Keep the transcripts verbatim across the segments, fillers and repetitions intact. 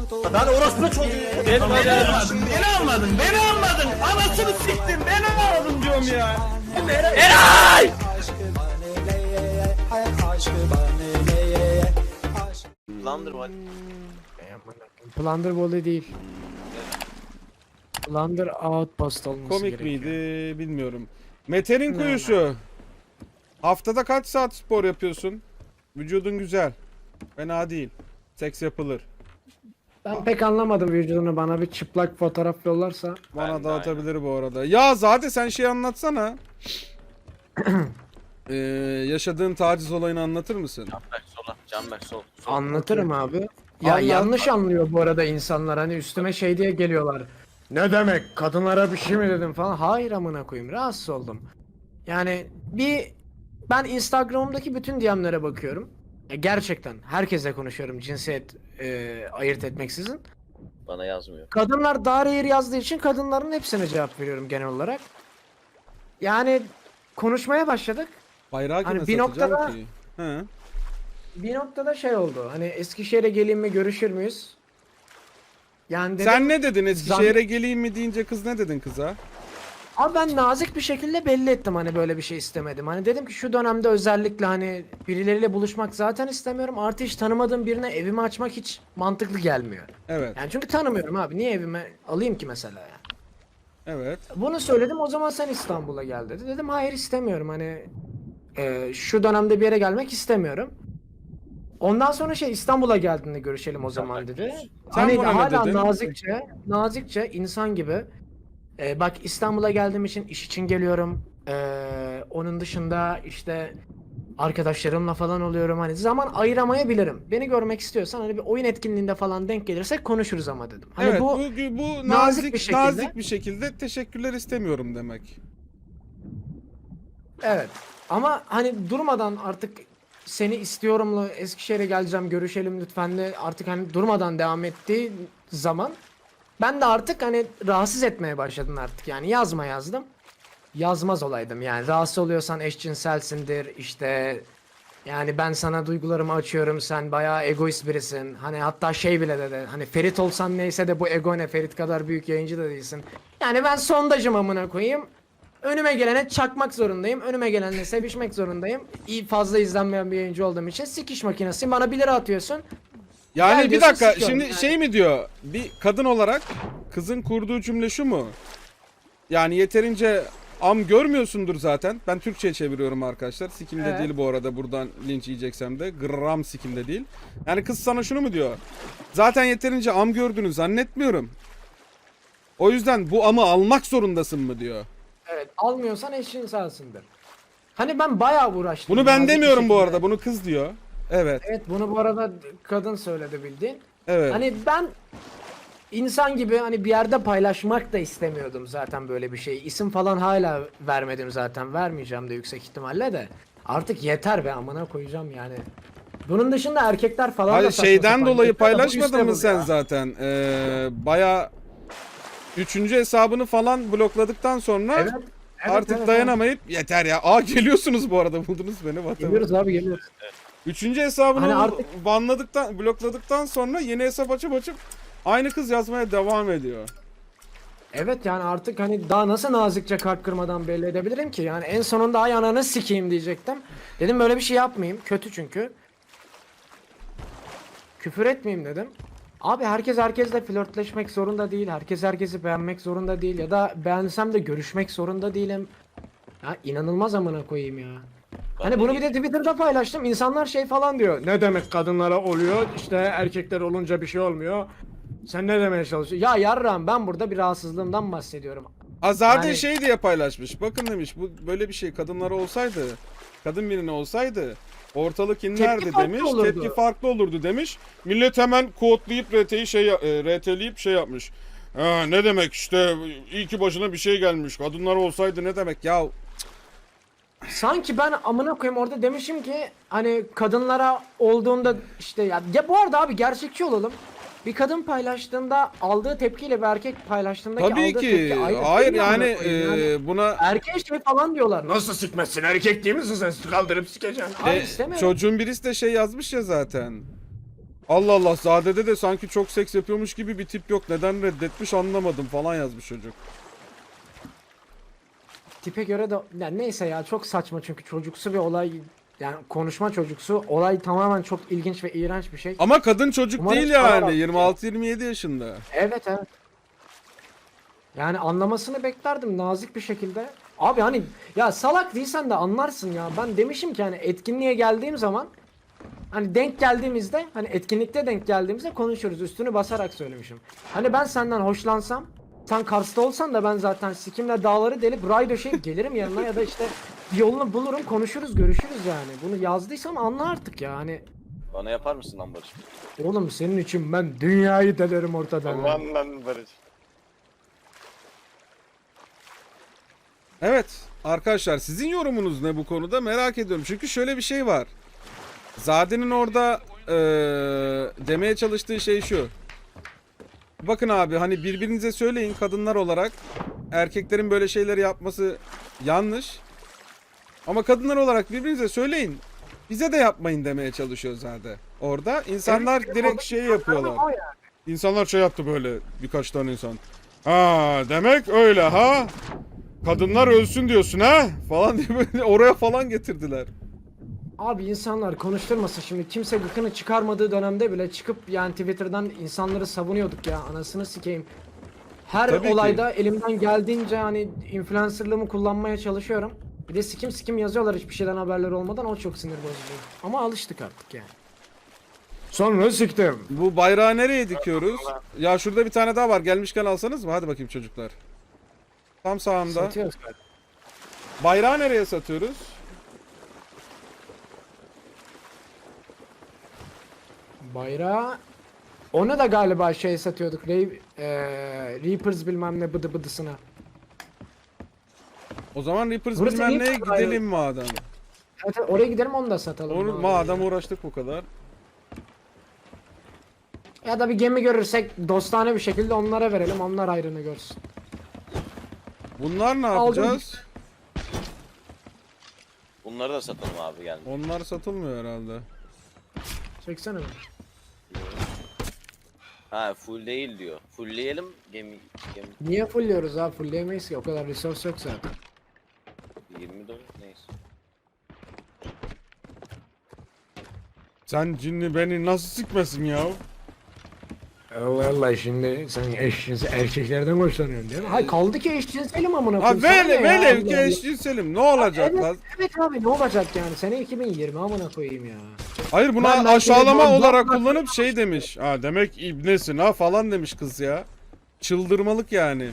Lan orospu çocuğu. Beni almadın, beni almadın, beni almadın. Anasını siktin, beni almadın diyorum ya. Eray! Thunderbolt. Plunder volley değil. Plunder outpost olması Komik gerekiyor. miydi bilmiyorum. Mete'nin Ne kuyusu. Haftada kaç saat spor yapıyorsun? Vücudun güzel. Fena değil. Seks yapılır. Ben pek anlamadım vücudunu, bana bir çıplak fotoğraf yollarsa. Bana Ben de dağıtabilir bu arada. Ya zaten sen şey anlatsana. ee, yaşadığın taciz olayını anlatır mısın? Canberk sola. Canberk sol. sol. Anlatırım abi. Ya Anlat. yanlış anlıyor bu arada insanlar, hani üstüme şey diye geliyorlar. Ne demek, kadınlara bir şey mi dedim falan. Hayır amına koyayım, rahatsız oldum. Yani bir ben Instagram'daki bütün D M'lere bakıyorum. E, gerçekten herkesle konuşuyorum cinsiyet e, ayırt etmeksizin. Bana yazmıyor. Kadınlar daha rare yazdığı için kadınların hepsine cevap veriyorum genel olarak. Yani konuşmaya başladık. Bayrağı kime Hani bir satacağım noktada- ki? He. Bir noktada şey oldu. Hani Eskişehir'e geleyim mi, görüşür müyüz? Yani dedim, Sen ne dedin? Eskişehir'e geleyim mi deyince kız ne dedin kıza? abi ben nazik bir şekilde belli ettim hani böyle bir şey istemedim. Hani dedim ki şu dönemde özellikle hani birileriyle buluşmak zaten istemiyorum. Artı hiç tanımadığım birine evimi açmak hiç mantıklı gelmiyor. Evet. Yani çünkü tanımıyorum abi. Niye evime alayım ki mesela ya? Evet. Bunu söyledim, o zaman sen İstanbul'a gel dedi. Dedim hayır istemiyorum, hani e, şu dönemde bir yere gelmek istemiyorum. Ondan sonra şey İstanbul'a geldiğinde görüşelim o zaman dedi. Sen Hani buna ne hala dedin? nazikçe, nazikçe insan gibi. e, bak İstanbul'a geldiğim için iş için geliyorum. E, onun dışında işte arkadaşlarımla falan oluyorum. Hani zaman ayıramayabilirim. Beni görmek istiyorsan hani bir oyun etkinliğinde falan denk gelirsek konuşuruz ama dedim. Hani evet bu, bu, bu, nazik nazik bir şekilde- nazik bir şekilde teşekkürler istemiyorum demek. evet. Ama hani durmadan artık seni istiyorumla Eskişehir'e geleceğim, görüşelim lütfen de artık hani durmadan devam ettiği zaman ben de artık hani rahatsız etmeye başladım artık, yani yazma yazdım. Yazmaz olaydım yani, rahatsız oluyorsan eşcinselsindir işte, yani ben sana duygularımı açıyorum, sen bayağı egoist birisin. Hani hatta şey bile dedi, hani Ferit olsan neyse de bu ego ne, Ferit kadar büyük yayıncı da değilsin. Yani ben sondajım amına koyayım. Önüme gelene çakmak zorundayım. Önüme gelenle sevişmek zorundayım. İyi, fazla izlenmeyen bir yayıncı olduğum için sikiş makinesi. Bana bir lira atıyorsun. Yani Gel bir diyorsun, dakika sikiyorum şimdi yani. şey mi diyor? Bir kadın olarak kızın kurduğu cümle şu mu? Yani yeterince am görmüyorsundur zaten. Ben Türkçe'ye çeviriyorum arkadaşlar. Sikimde Evet. değil bu arada, buradan linç yiyeceksem de. Gram sikimde değil. Yani kız sana şunu mu diyor? Zaten yeterince am gördüğünü zannetmiyorum. O yüzden bu amı almak zorundasın mı diyor. Evet, almıyorsan eşcinselsindir. Hani ben bayağı uğraştım. Bunu ben nazik bir demiyorum bu şekilde. arada. Bunu kız diyor. Evet. Evet, bunu bu arada kadın söyledi bildiğin. Evet. Hani ben insan gibi hani bir yerde paylaşmak da istemiyordum zaten böyle bir şey. İsim falan hala vermedim zaten. Vermeyeceğim de yüksek ihtimalle de. Artık yeter be, amına koyacağım yani. Bunun dışında erkekler falan da Hayır saçma şeyden sapan dolayı yapıyor da bu paylaşmadın mı üstte bu sen ya. zaten? Ee, baya üçüncü hesabını falan blokladıktan sonra Evet. Evet, artık evet, dayanamayıp yeter ya. Aa geliyorsunuz bu arada, buldunuz beni. evet. Whatever. Geliyoruz abi, geliyoruz. Üçüncü hesabını Hani bu- artık- banladıktan, blokladıktan sonra yeni hesap açıp açıp aynı kız yazmaya devam ediyor. Evet, yani artık hani daha nasıl nazikçe kalp kırmadan belli edebilirim ki? Yani en sonunda ay ananı sikeyim diyecektim. Dedim böyle bir şey yapmayayım. Kötü çünkü. Küfür etmeyeyim dedim. Abi herkes herkesle flörtleşmek zorunda değil. Herkes herkesi beğenmek zorunda değil. Ya da beğensem de görüşmek zorunda değilim. Ya inanılmaz amına koyayım ya. Hani bunu bir de Twitter'da paylaştım. İnsanlar şey falan diyor. Ne demek kadınlara oluyor? İşte erkekler olunca bir şey olmuyor. Sen ne demeye çalışıyorsun? Ya yarram, ben burada bir rahatsızlığımdan bahsediyorum. Aa, zaten Yani- şey diye paylaşmış. Bakın demiş, bu böyle bir şey kadınlara olsaydı, kadın birine olsaydı ortalık inlerdi farklı demiş. olurdu. Tepki farklı olurdu demiş. Millet hemen kodlayıp R T'yi şey e, R T'leyip şey yapmış. Ha, ne demek işte, iyi ki başına bir şey gelmiş. Kadınlar olsaydı ne demek ya? Sanki ben amına koyayım orada demişim ki hani kadınlara olduğunda işte ya, ya bu arada abi gerçekçi olalım. Bir kadın paylaştığında aldığı tepkiyle bir erkek paylaştığındaki Tabii aldığı ki. tepki aynı Hayır değil mi amına yani koyayım? Yani e, buna erkeğe şey falan diyorlar. Nasıl sikmezsin, erkek değil misin sen, kaldırıp sikeceksin. Abi e, istemiyorum. çocuğun birisi de şey yazmış ya zaten. Allah Allah, Zade'de de sanki çok seks yapıyormuş gibi bir tip yok. Neden reddetmiş anlamadım falan yazmış çocuk. Tipe göre de ya neyse ya çok saçma çünkü çocuksu bir olay, yani konuşma çocuksu olay tamamen çok ilginç ve iğrenç bir şey. Ama kadın çocuk Umarım değil sana yani. bak- yirmi altı yirmi yedi yaşında. Evet evet. Yani anlamasını beklerdim nazik bir şekilde. Abi hani ya salak değilsen de anlarsın ya. Ben demişim ki hani etkinliğe geldiğim zaman hani denk geldiğimizde hani etkinlikte denk geldiğimizde konuşuruz. Üstünü basarak söylemişim. Hani ben senden hoşlansam sen Kars'ta olsan da ben zaten sikimle dağları delip ray döşeyip gelirim yanına ya da işte bir yolunu bulurum konuşuruz görüşürüz yani. Bunu yazdıysam anla artık ya hani. Bana yapar mısın lan Barış? Oğlum senin için ben dünyayı delerim ortadan. Aman lan Barış. Evet arkadaşlar, sizin yorumunuz ne bu konuda merak ediyorum. Çünkü şöyle bir şey var. Zade'nin orada eee, demeye çalıştığı şey şu. Bakın abi, hani birbirinize söyleyin kadınlar olarak. Erkeklerin böyle şeyleri yapması yanlış. Ama kadınlar olarak birbirinize söyleyin. Bize de yapmayın demeye çalışıyor Zade. Orada insanlar Evet, direkt orada şey insanlar yapıyorlar. o yani. İnsanlar şey yaptı böyle, birkaç tane insan. Ha demek öyle ha? Kadınlar ölsün diyorsun ha? Falan diye böyle oraya falan getirdiler. Abi insanlar konuşturmasın şimdi, kimse gıkını çıkarmadığı dönemde bile çıkıp yani Twitter'dan insanları savunuyorduk ya, anasını sikeyim. Her Tabii ki. olayda elimden geldiğince hani influencerlığımı kullanmaya çalışıyorum. Bir de sikim sikim yazıyorlar hiçbir şeyden haberleri olmadan, o çok sinir bozucu. Ama alıştık artık yani. Sonra siktim. Bu bayrağı nereye dikiyoruz? Ya şurada bir tane daha var. Gelmişken alsanız mı? Hadi bakayım çocuklar. Tam sağımda. Satıyoruz galiba. Bayrağı nereye satıyoruz? Bayrağı onu da galiba şey satıyorduk. Ray, eee, Reapers bilmem ne bıdı bıdısına. O zaman Reapers Burası bilmem iyi neye bayrağı. gidelim madem. Evet, evet, oraya gidelim onu da satalım. Onu, abi. madem uğraştık bu kadar. Ya da bir gemi görürsek dostane bir şekilde onlara verelim. Onlar ayrını görsün. Bunlar ne Aldım. yapacağız? Bunları da satalım abi geldi. Onlar satılmıyor herhalde. Çeksene beni. Ha full değil diyor. Fullleyelim gemi gemi Niye fullliyoruz abi? Fullleyemeyiz ki. O kadar resource yok zaten. yirmi dolar neyse. Sen cinni beni nasıl sikmesin ya? Allah Allah, şimdi sen eşcinsel erkeklerden hoşlanıyorsun değil mi? Hayır kaldı ki eşcinselim amına Ha koyayım. Sana ne velev ya? velev Allah ki Allah. eşcinselim, ne olacak Evet, lan? evet abi ne olacak yani? Sene iki bin yirmi amına koyayım ya. Hayır, buna Ben- ben aşağılama seni- olarak ben- kullanıp şey demiş. Ha demek ibnesin ha falan demiş kız ya. Çıldırmalık yani.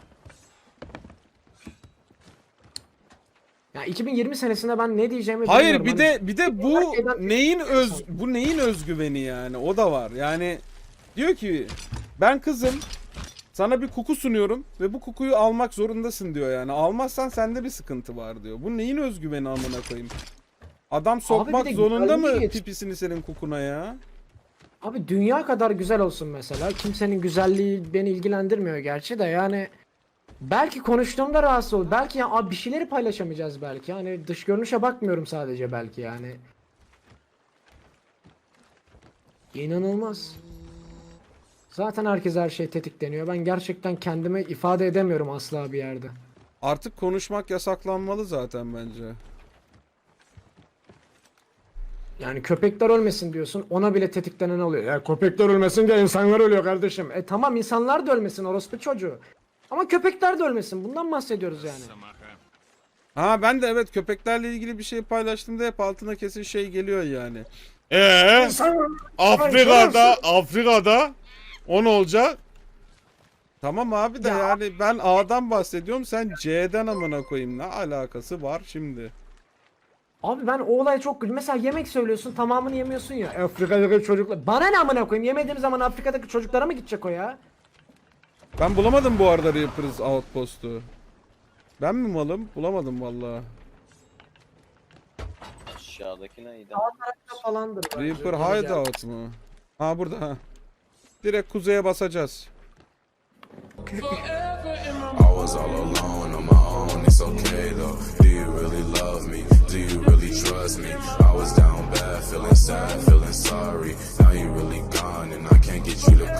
Ya iki bin yirmi senesinde ben ne diyeceğimi Hayır bilmiyorum. bir Hani de bir de bu Herkesten- neyin öz bu neyin özgüveni yani, o da var. Yani diyor ki ben kızım, sana bir koku sunuyorum ve bu kokuyu almak zorundasın diyor yani. Almazsan sende bir sıkıntı var diyor. Bu neyin özgüveni amına koyayım? Adam sokmak bir de zorunda mı güzelliği geç- pipisini senin kokuna ya? Abi dünya kadar güzel olsun mesela. Kimsenin güzelliği beni ilgilendirmiyor gerçi de yani. Belki konuştuğumda rahatsız olur. Belki ya abi bir şeyleri paylaşamayacağız belki. Hani dış görünüşe bakmıyorum sadece belki yani. İnanılmaz. Zaten herkes her şey tetikleniyor. Ben gerçekten kendimi ifade edemiyorum asla bir yerde. Artık konuşmak yasaklanmalı zaten bence. Yani köpekler ölmesin diyorsun, ona bile tetiklenen oluyor. Ya köpekler ölmesin diye insanlar ölüyor kardeşim. E tamam, insanlar da ölmesin, orospu çocuğu. Ama köpekler de ölmesin. Bundan bahsediyoruz yani. Ha ben de evet, köpeklerle ilgili bir şey paylaştığımda hep altına kesin şey geliyor yani. Eee Afrika'da Afrika'da o ne olacak? Tamam abi de Ya- yani ben A'dan bahsediyorum, sen C'den amına koyayım, ne alakası var şimdi? Abi ben o olaya çok gülüyorum. Mesela yemek söylüyorsun, tamamını yemiyorsun ya. Afrika'daki çocuklar. Bana ne amına koyayım? Yemediğim zaman Afrika'daki çocuklara mı gidecek o ya? Ben bulamadım bu arada Reapers Outpost'u. Ben mi malım? Bulamadım vallahi. Aşağıdaki neydi? Falandır. bence. Reaper Geri Hideout mu? Ha burada ha. Direkt kuzeye basacağız. I was all alone on my own, it's okay though. Do you really love me? Do you really trust me? I was down bad, feeling sad, feeling sorry. Now you really gone and I can't get you to